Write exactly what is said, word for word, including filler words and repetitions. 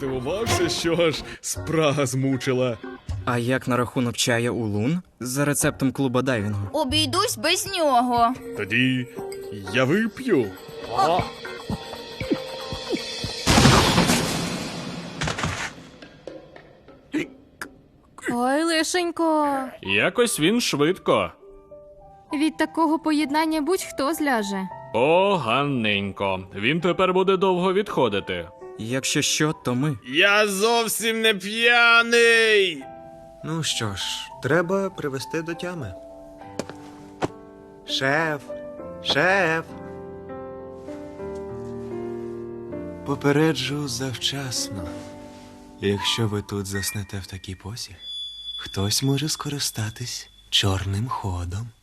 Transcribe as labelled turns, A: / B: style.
A: здивувався, що аж спрага змучила.
B: А як на рахунок чая улун за рецептом клуба дайвінгу?
C: Обійдусь без нього.
A: Тоді я вип'ю.
D: Ой, лишенько.
E: Якось він швидко.
D: Від такого поєднання будь-хто зляже.
E: Поганенько. Він тепер буде довго відходити.
B: Якщо що, то ми.
A: Я зовсім не п'яний.
F: Ну що ж, треба привести до тями. Шеф, шеф. Попереджу завчасно. Якщо ви тут заснете в такій позі, хтось може скористатись чорним ходом.